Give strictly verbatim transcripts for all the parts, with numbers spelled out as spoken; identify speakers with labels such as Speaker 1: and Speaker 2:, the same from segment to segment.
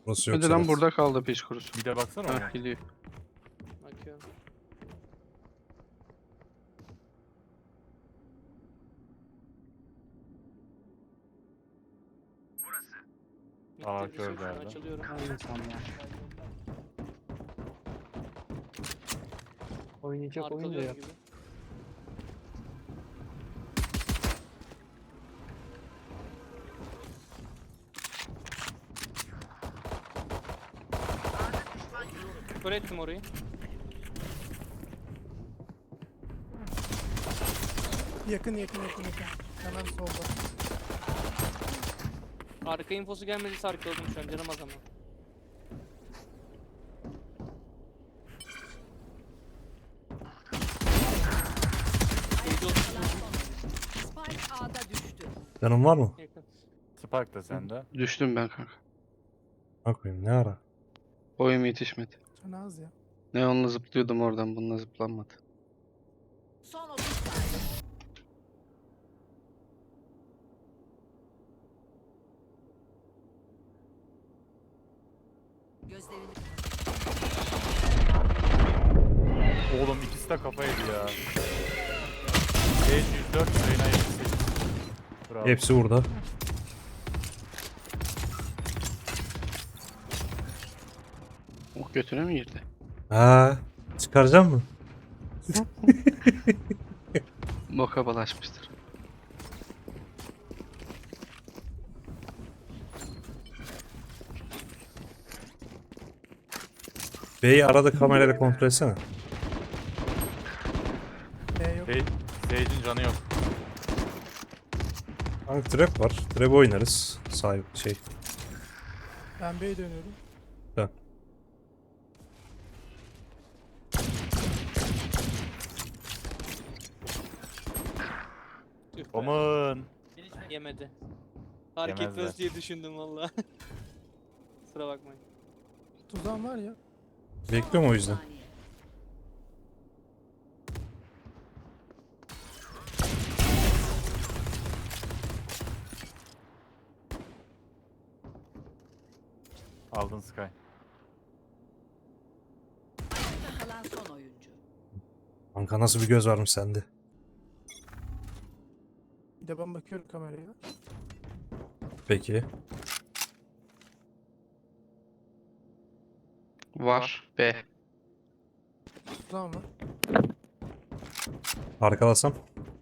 Speaker 1: Burası yok
Speaker 2: Önceden
Speaker 1: Serhat.
Speaker 2: burada kaldı piç kurusu.
Speaker 3: Bir de baksana
Speaker 2: Ha
Speaker 3: ona.
Speaker 2: gidiyor.
Speaker 4: Bakıyorum.
Speaker 3: Aa,
Speaker 4: Bitti,
Speaker 3: kör
Speaker 4: bir sürü
Speaker 3: geldi.
Speaker 4: açılıyorum.
Speaker 5: Aynı son ya. Oynayacak oyun da
Speaker 4: Arkalıyorum
Speaker 5: yok.
Speaker 4: gibi. Kör ettim orayı.
Speaker 6: Yakın yakın yakın yakın. Hemen solda.
Speaker 4: Arka infosu gelmediyse arkaladım şu an canım az ama. Neydi o?
Speaker 7: Spike A'da düştü.
Speaker 1: Canın var mı?
Speaker 4: Yakın.
Speaker 3: Spike da sende.
Speaker 2: Düştüm ben kanka.
Speaker 1: Bak koyayım ne ara?
Speaker 2: Boyum yetişmedi.
Speaker 6: Canı az ya.
Speaker 2: Ne onunla zıplıyordum oradan, bununla zıplanmadı.
Speaker 7: Son otuz saniye. Gözlerini
Speaker 3: Oğlum ikisi de kafa yedi ya. beş yüz dört, Reyna yetmiş sekiz. Bravo.
Speaker 1: Hepsi burada.
Speaker 2: O götüne mi girdi?
Speaker 1: Ha, çıkaracak mı?
Speaker 2: Boka bulaşmıştır.
Speaker 1: B'yi arada kamerayla kontrol etsene.
Speaker 6: B yok.
Speaker 3: Sage- Sage'in canı yok.
Speaker 1: Hani trap var. Trap oynarız. Sahip şey.
Speaker 6: Ben B'ye dönüyorum.
Speaker 1: Dön.
Speaker 4: Tüh be.
Speaker 3: Aman.
Speaker 4: Yemedi. Fark
Speaker 3: Yemezler.
Speaker 4: etmez diye düşündüm valla. Kusura bakmayın.
Speaker 6: Tuzağım var ya.
Speaker 1: Bekliyorum o yüzden.
Speaker 7: saniye.
Speaker 3: Aldın Sky.
Speaker 7: Kalan son oyuncu.
Speaker 1: Kanka nasıl bir göz varmış sende.
Speaker 6: Bir de ben bakıyorum kameraya.
Speaker 1: Peki.
Speaker 2: Var. B.
Speaker 6: Tuzağım var.
Speaker 1: Arkalasam.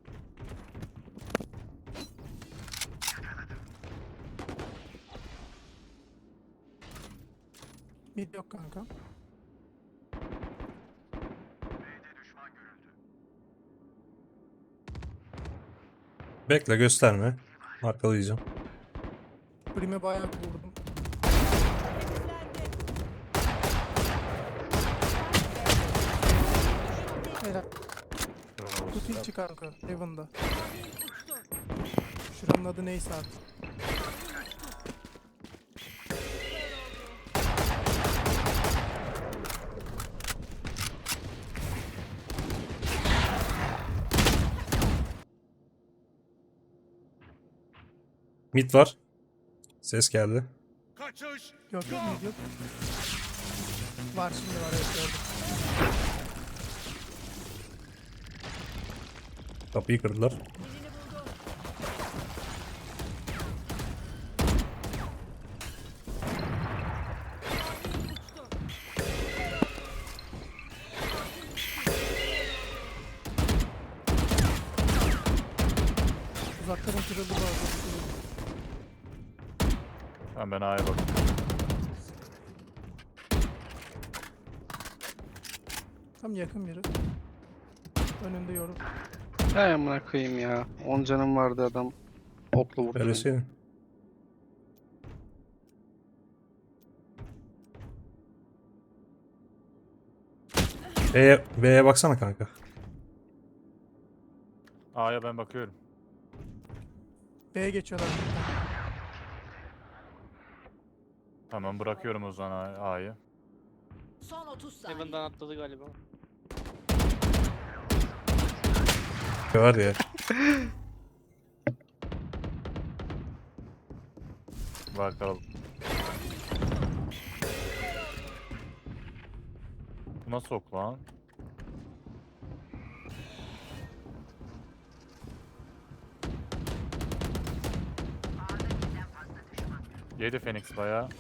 Speaker 6: Mid yok kanka.
Speaker 1: Bekle gösterme. Arkalayacağım.
Speaker 6: Prime bayağı vurdum. Helal.
Speaker 3: Bravo.
Speaker 6: Kutu içi kanka. Heaven'da. Şuranın adı neyse artık.
Speaker 1: Mid var. Ses geldi.
Speaker 6: Yok yok mid yok. Var şimdi var evet gördüm.
Speaker 1: Kapıyı kırdılar.
Speaker 6: Uzakların kırıldı bu arada.
Speaker 3: Tamam, ben A'ya bakıyorum.
Speaker 6: Tam yakın biri. Önünde yorum.
Speaker 2: Hay amına koyayım ya. on canım vardı adam. Okla vurdu. beni.
Speaker 1: Böylesi. B'ye B'ye baksana kanka.
Speaker 3: A'ya ben bakıyorum.
Speaker 6: B'ye geçiyorlar.
Speaker 3: Tamam, bırakıyorum o zaman A- A'yı.
Speaker 7: Son otuz saniye.
Speaker 4: Heaven'dan atladı galiba.
Speaker 1: Var ya.
Speaker 3: Var kalalım. Bu nasıl ok lan? Yedi Phoenix bayağı.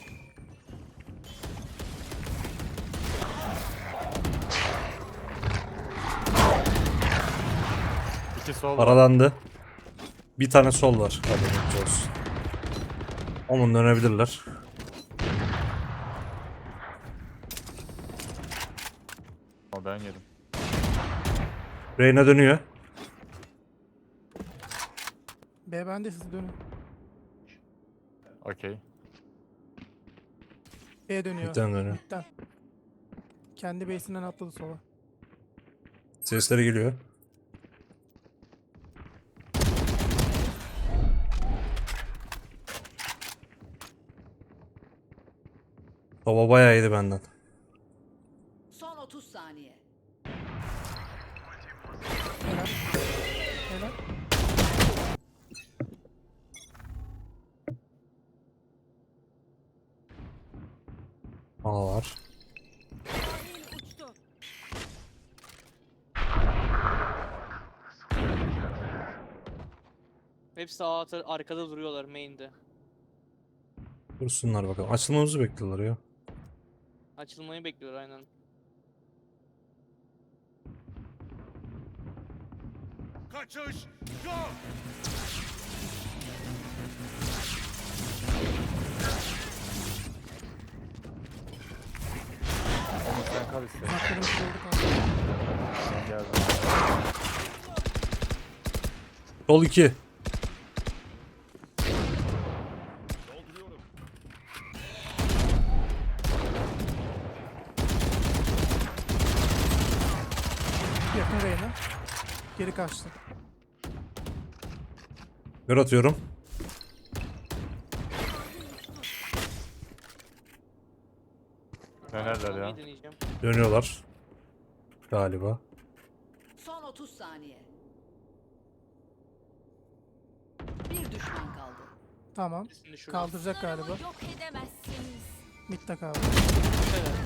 Speaker 3: İki sol var.
Speaker 1: Paralandı. Bir tane sol var. Haberiniz olsun. Onun dönebilirler.
Speaker 3: O ben yedim.
Speaker 1: Reyna dönüyor.
Speaker 6: B bende, siz dönün.
Speaker 3: Okey.
Speaker 6: B dönüyor.
Speaker 1: Midden dönüyor.
Speaker 6: Midden. Kendi base'inden atladı sola.
Speaker 1: Sesleri geliyor. Baba bayağı iyiydi benden.
Speaker 7: Son otuz saniye.
Speaker 6: Helal. Helal.
Speaker 1: Aa var.
Speaker 4: Hepsi A atar, arkada duruyorlar main'de.
Speaker 1: Dursunlar bakalım. Açılmamızı bekliyorlar ya.
Speaker 4: Açılmayı bekliyorlar aynen.
Speaker 5: Kaçış! Go!
Speaker 3: Onu sen kal istedim.
Speaker 6: Uzaklarımız oldu kanka.
Speaker 3: Ben geldim.
Speaker 1: Sol iki.
Speaker 6: Yakın Reyna. Geri kaçtı.
Speaker 1: Gör atıyorum.
Speaker 3: Dönerler ya.
Speaker 4: Açılmayı deneyeceğim.
Speaker 1: Dönüyorlar. Galiba.
Speaker 7: Son otuz saniye. Bir düşman kaldı.
Speaker 6: Tamam.
Speaker 4: Birisini düşürdüm.
Speaker 6: Kaldıracak galiba.
Speaker 7: Yok edemezsiniz.
Speaker 6: Mid'de kaldı.
Speaker 4: Evet.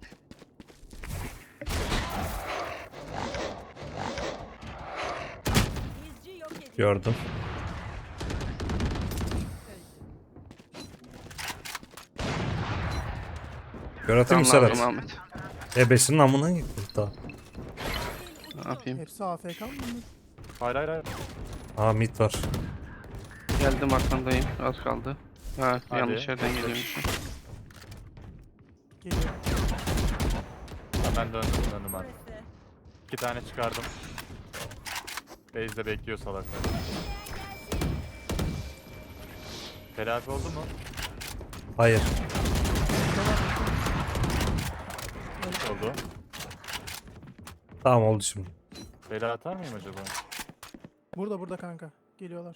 Speaker 1: Gördüm. Gör atayım mı
Speaker 2: Tamam
Speaker 1: Serhat?
Speaker 2: Ahmet.
Speaker 1: Ebesinin amına gitti daha.
Speaker 2: Ne yapayım?
Speaker 6: Hepsi A F K mı bunlar?
Speaker 3: Hayır hayır hayır.
Speaker 1: Aa mid var.
Speaker 2: Geldim arkandayım. Az kaldı. Ha
Speaker 3: Hadi.
Speaker 2: yanlış yerden geliyormuşum.
Speaker 6: Geliyor.
Speaker 3: Hemen döndüm döndüm ben. İki tane çıkardım. Base'de bekliyor salaklar. Telafi oldu mu?
Speaker 1: Hayır.
Speaker 3: Oldu.
Speaker 1: Tamam oldu şimdi.
Speaker 3: Bela atar mıyım acaba?
Speaker 6: Burada burada kanka. Geliyorlar.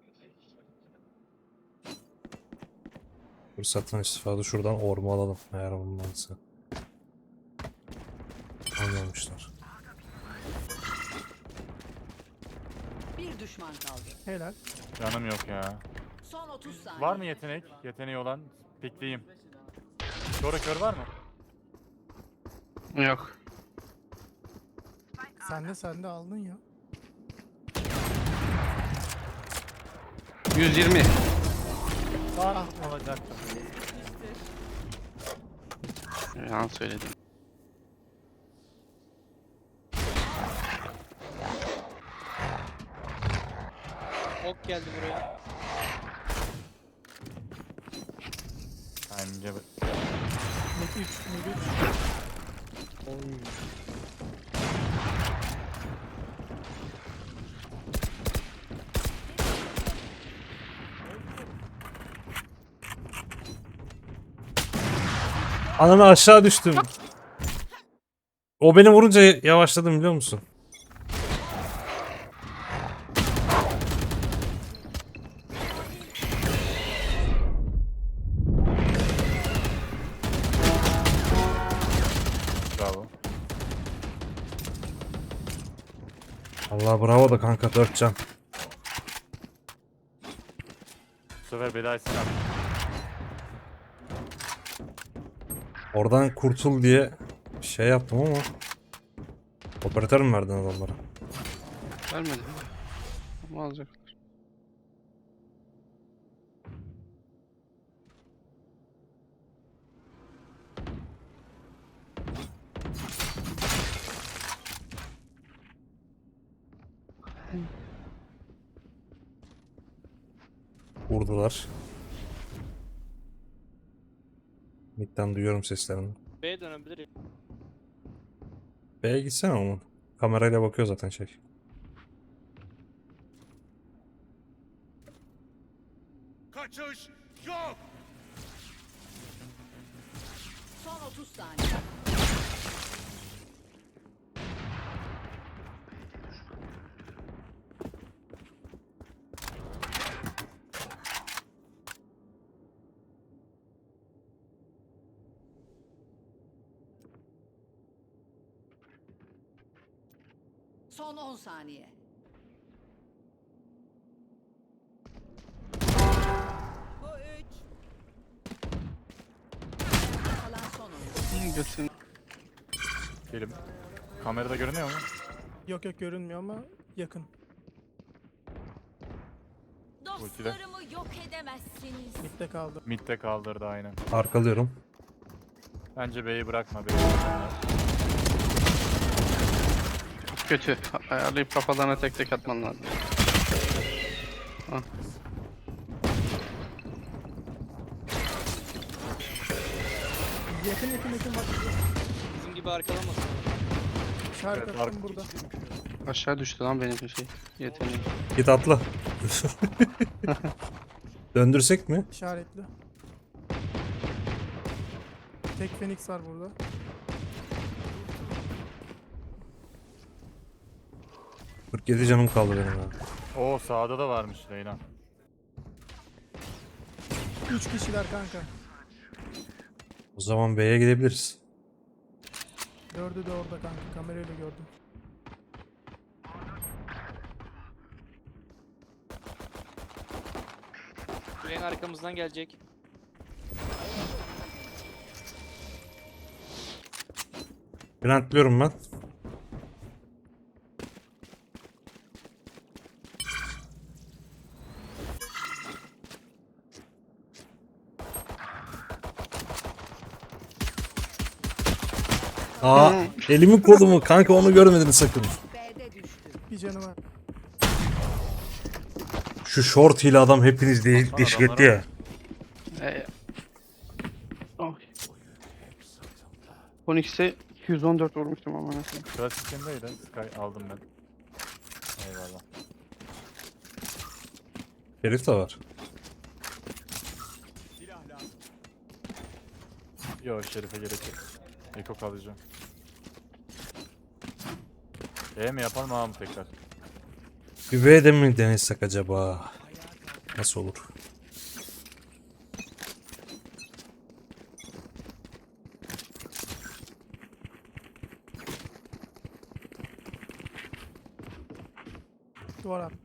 Speaker 1: Fırsattan istifade şuradan orma alalım. Eğer olmazsa. Anlamışlar.
Speaker 7: Bir düşman kaldı.
Speaker 6: Helal.
Speaker 3: Canım yok ya.
Speaker 7: Son otuz saniye.
Speaker 3: Var mı yetenek? Yeteneği olan pikleyeyim. Kör kör var mı?
Speaker 2: Yok.
Speaker 6: Sen de sen de aldın ya.
Speaker 2: yüz yirmi.
Speaker 3: Var. Alacaktım.
Speaker 2: Yalan söyledim.
Speaker 4: Ok geldi buraya.
Speaker 3: Bence
Speaker 6: Mid üç. Mid üç.
Speaker 1: Ananı aşağı düştüm. O beni vurunca yavaşladım biliyor musun?
Speaker 3: bravo.
Speaker 1: Allah bravo da kanka dört can.
Speaker 3: Bu sefer belayı sen al.
Speaker 1: Oradan kurtul diye Şey yaptım ama. Operatör mü verdin adamlara?
Speaker 2: Vermedi. Ama alacaklar.
Speaker 1: Vurdular. Mid'den duyuyorum seslerini.
Speaker 4: B'ye dönebilir ya.
Speaker 1: B'ye gitsene oğlum. Kamerayla bakıyor zaten şey.
Speaker 5: Kaçış yok.
Speaker 7: Son otuz saniye. Son on saniye. Bu üç. Kalan son oyun.
Speaker 2: Hı, götün.
Speaker 3: Gelim. Kamerada görünüyor mu?
Speaker 6: Yok yok görünmüyor ama yakın.
Speaker 7: Dostlarımı yok edemezsiniz.
Speaker 6: Mid'de kaldı.
Speaker 3: Mid'de kaldırdı aynen.
Speaker 1: Arkalıyorum.
Speaker 3: Bence B'yi bırakma. B'yi bırakma.
Speaker 2: Kötü. Ayarlayıp kafalarına tek tek atman lazım.
Speaker 6: Yakın yakın yakın bak.
Speaker 4: Bizim gibi arkalamasın.
Speaker 6: İşaret
Speaker 3: Evet,
Speaker 6: attım
Speaker 3: ark-
Speaker 6: burada.
Speaker 2: Aşağı düştü lan benim şey. Yeteneğim.
Speaker 1: Git atla. Döndürsek mi?
Speaker 6: İşaretli. Tek Phoenix var burada.
Speaker 1: kırk yedi canım kaldı benim ya.
Speaker 3: Oo sağda da varmış Reyna.
Speaker 6: Üç kişiler kanka.
Speaker 1: O zaman B'ye gidebiliriz.
Speaker 6: Dördü de orada kanka. Kamerayla gördüm.
Speaker 4: Gülen arkamızdan gelecek.
Speaker 1: Plantlıyorum ben. Aa, elimi kolumu kanka onu görmedin sakın.
Speaker 7: B'de düştü.
Speaker 6: Bir canı var.
Speaker 1: Şu short ile adam hepiniz değil
Speaker 3: Baksana
Speaker 1: deşik etti
Speaker 3: adamlara.
Speaker 1: ya.
Speaker 2: Ee, Oy. on ikisi iki yüz on dört vurmuştum ama nasıl?
Speaker 3: Klasikindeydi. Sky aldım ben. Eyvallah.
Speaker 1: Herif de var.
Speaker 3: Yo Şerif'e gerek yok. Eko kalacağım. E mi yapalım A mı tekrar?
Speaker 1: Bir B'de mi denesek acaba? Nasıl olur?
Speaker 6: Duvar at.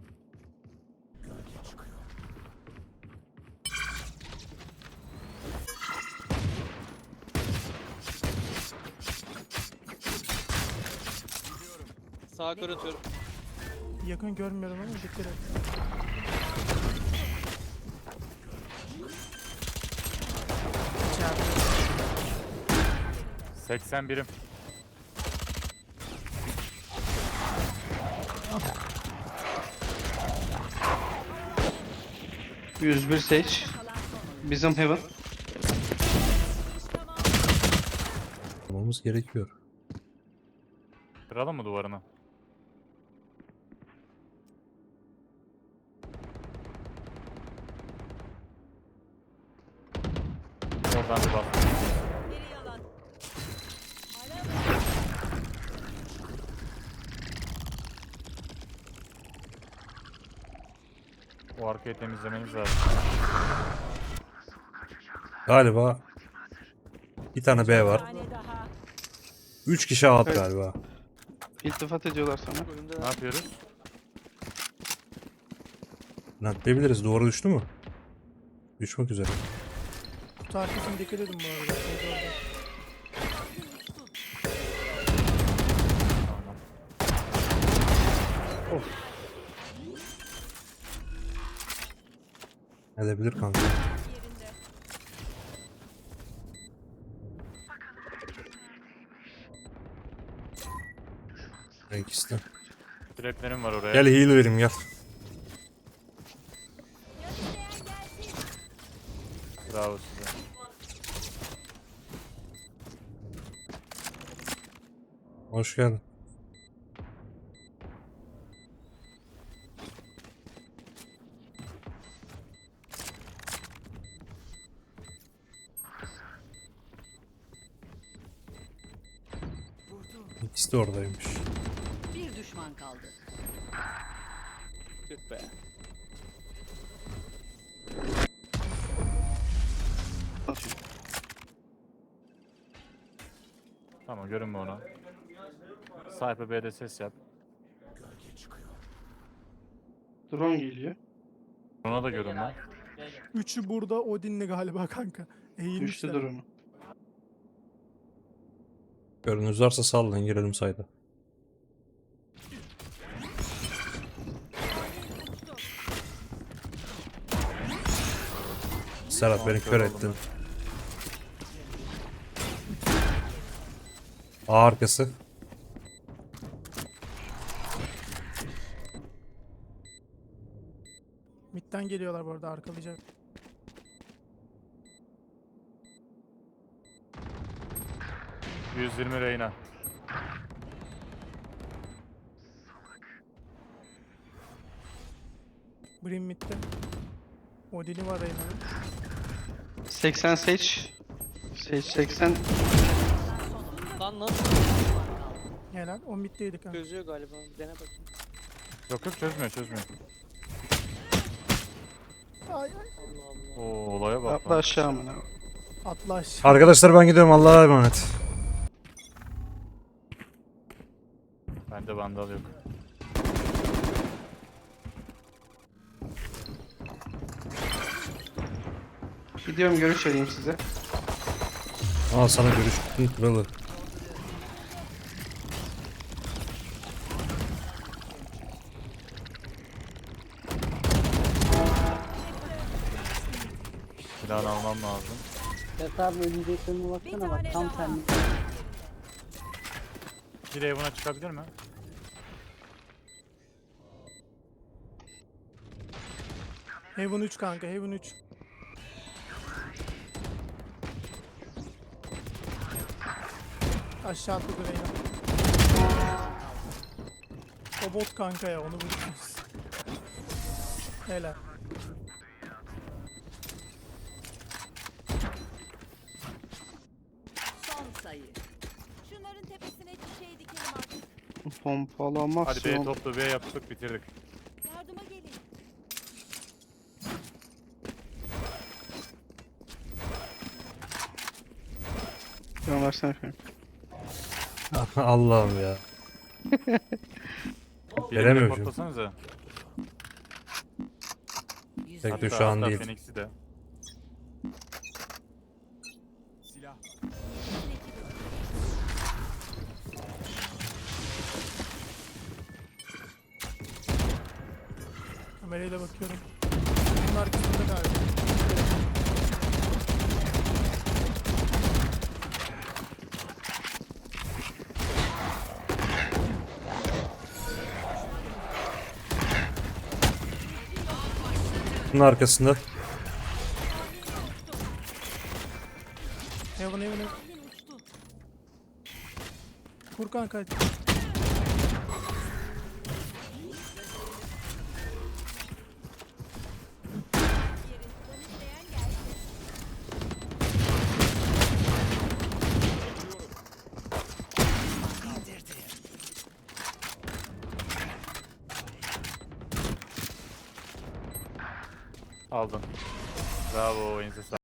Speaker 4: Sağa kör atıyorum.
Speaker 6: Yakın görmüyorum ama dikkat et. İçeride.
Speaker 3: seksen birim.
Speaker 2: yüz bir Sage. Bizim Heaven.
Speaker 1: Yapmamız gerekiyor.
Speaker 3: Kıralım mı duvarını? Oradan bir bak.
Speaker 7: Biri yalan.
Speaker 3: O arkayı temizlemeniz lazım.
Speaker 1: Galiba bir tane B var.
Speaker 7: Tane daha.
Speaker 1: Üç kişi alt
Speaker 2: Evet.
Speaker 1: galiba.
Speaker 2: İltifat ediyorlar sana.
Speaker 4: Önümde
Speaker 3: Ne yapıyoruz?
Speaker 1: Plantlayabiliriz. Duvara düştü mü? Düşmek üzere.
Speaker 6: Kutu arkasına dikkat edin bu arada. Şeyde orada.
Speaker 1: Edebilir kanka.
Speaker 7: Yerinde.
Speaker 1: Renk iste.
Speaker 3: Traplerim var oraya.
Speaker 1: Gel heal vereyim gel.
Speaker 7: Gösteren gelsin.
Speaker 3: Bravo size.
Speaker 1: Hoş geldin. İkisi de oradaymış.
Speaker 7: Bir düşman kaldı.
Speaker 4: Tüh be.
Speaker 3: Tamam görünme ona. Sniper B'de ses yap.
Speaker 2: Drone geliyor.
Speaker 3: Ona da görünme.
Speaker 6: Üçü burada Odin'le galiba kanka.
Speaker 2: Düştü
Speaker 6: Eğilmişler.
Speaker 2: drone'u.
Speaker 1: Görünüz varsa sallayın girelim sayda. Serhat beni kör ettin. A arkası.
Speaker 6: Mid'den geliyorlar bu arada, arkalayacak.
Speaker 3: yüz yirmi Reyna.
Speaker 6: Brim mid'de. Odin'i var Reyna'nın.
Speaker 2: seksen Sage. Sage seksen.
Speaker 4: Lan nasıl?
Speaker 6: Helal. O mid'deydi kanka.
Speaker 4: Çözüyor galiba. Dene bakayım.
Speaker 3: Yok yok çözmüyor çözmüyor.
Speaker 6: Ay ay.
Speaker 4: Allah Allah.
Speaker 3: Oo olaya bak.
Speaker 2: Atla
Speaker 3: lan.
Speaker 2: aşağı amına.
Speaker 6: Atla aşağı.
Speaker 1: Arkadaşlar ben gidiyorum, Allah'a emanet.
Speaker 3: Bende vandal yok.
Speaker 2: Gidiyorum, görüş vereyim size.
Speaker 1: Al sana görüş kralı.
Speaker 3: Silahını almam lazım.
Speaker 8: Serhat abi önündekilerine baksana bak tam senlik.
Speaker 3: Bir evine çıkabilir mi?
Speaker 6: Heaven üç kanka, Heaven üç. Aşağı atladı Reyna. O bot kanka ya, onu vurursunuz. Helal.
Speaker 7: Son sayı. Şunların tepesine çiçeği dikelim artık.
Speaker 2: Pompalamak
Speaker 3: Hadi B
Speaker 2: son.
Speaker 3: toplu B yaptık bitirdik.
Speaker 7: Yardıma gelin.
Speaker 2: Drone versene efendim.
Speaker 1: Allah'ım ya.
Speaker 3: Birini
Speaker 1: Veremiyorum.
Speaker 3: patlasanıza.
Speaker 1: Tek de
Speaker 3: Hatta-
Speaker 1: şu an
Speaker 3: hatta
Speaker 1: değil.
Speaker 3: Phoenix'i de.
Speaker 5: Silah.
Speaker 6: Kamerayla bakıyorum. Bunun arkasında galiba.
Speaker 1: Bunun arkasında.
Speaker 6: Heaven Heaven Heaven. Kur kanka.
Speaker 3: Aldın. Bravo, elinize sağlık.